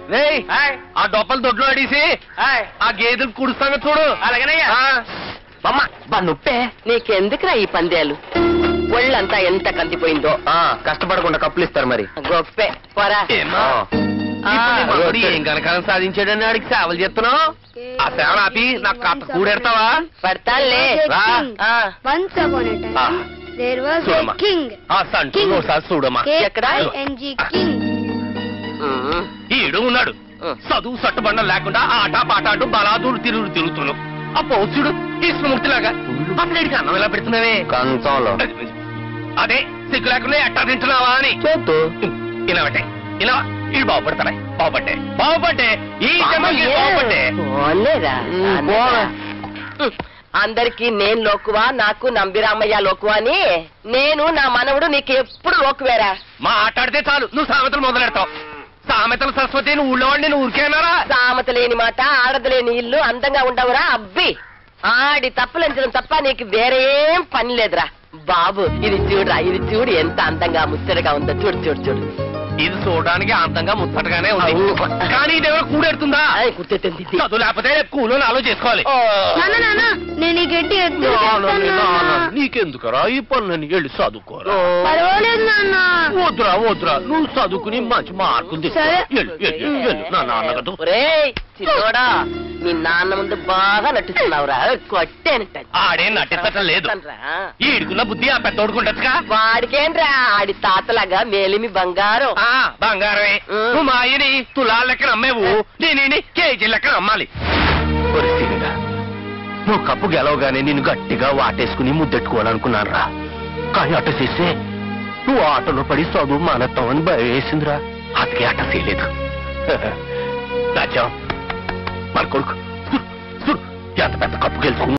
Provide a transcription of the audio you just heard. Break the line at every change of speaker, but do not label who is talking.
ఆ డొప్పలు దొడ్లో అడిసి ఆ గేదెలు కుడుస్తాను చూడు. అలాగేనయ్యా.
నొప్పే నీకెందుకురా ఈ పందేలు? ఒళ్ళంతా ఎంత కందిపోయిందో.
కష్టపడకుండా కప్పులు ఇస్తారు మరి.
గొప్పే పోరా.
ఏం కనకాలం సాధించాడని ఆడికి సేవలు చేస్తున్నావు. ఆ సేవలు ఆపి నాకు కాస్త కూడెడతావా?
పడతానులే.
చూడమ్మా
ఎక్కడా
ఈడు ఉన్నాడు. చదువు సట్టుబండం లేకుండా ఆట పాట అంటూ బలాదూరు తిరుగుతున్నావు. ఆ పౌరుషుడు కృష్ణమూర్తిలాగా అసలు అన్నం ఎలా పెడుతున్నావే కంచంలో? అదే సిగ్గు లేకుండా ఎట్టా తింటున్నావా అని ఇలావటే ఇలా ఇది బాగుపడతారా? బాగుపట్టే ఈ బాగుపట్టే.
అందరికి నేను లోకువా, నాకు నంబిరామయ్య లోకువా అని. నేను నా మనవడు నీకు ఎప్పుడు లోకువేరా?
మాట్లాడితే చాలు నువ్వు సామెతలు మొదలెడతావు. సామెతల సరస్వతి నువ్వు ఊళ్ళో వాడిని నువ్వు ఊరికేనారా?
సామెత లేని మాట, ఆడదలేని ఇల్లు అందంగా ఉండవురా అబ్బి. ఆడి తప్పులంచడం తప్ప నీకు వేరేం పని లేదురా బాబు. ఇది చూడురా, ఇది చూడు ఎంత అందంగా ముచ్చటగా ఉందో. చూడు చూడు చూడు.
ఇది చూడడానికి అందంగా ముచ్చటగానే ఉంది, కానీ ఇదేమో కూడెడుతుందా? చదువు లేకపోతే కూలో ఆలో చేసుకోవాలి. నీకెందుకరా ఈ పనులని వెళ్ళి చదువుకోరా? వద్దురా నువ్వు చదువుకుని మంచి మార్కులు నా నాన్నగదు.
చిన్నోడా నీ నాన్న ముందు బాగా నటిస్తున్నావురా. కొట్టేనంట.
ఆడే నటించటం లేదు. ఈడుకున్న బుద్ధి ఆ పెద్దోడుకుంటా.
వాడికేంట్రా ఆడి తాతలాగా మేలిమి బంగారం.
బంగారమే. నువ్వు మా ఆయని తులాల లెక్కన అమ్మేవు, నేను కేజీ లెక్కన అమ్మాలి. నువ్వు కప్పు గెలవగానే నిన్ను గట్టిగా వాటేసుకుని ముద్దెట్టుకోవాలనుకున్నాను రా. కానీ అట్ట చేస్తే నువ్వు ఆటలో పడి చదువు మానేస్తావని భయం వేసిందిరా. అతికి అట్ట చేయలేదు. రాజ్యం మన కొడుకు ఎంత పెద్ద కప్పు గెలుచుకుని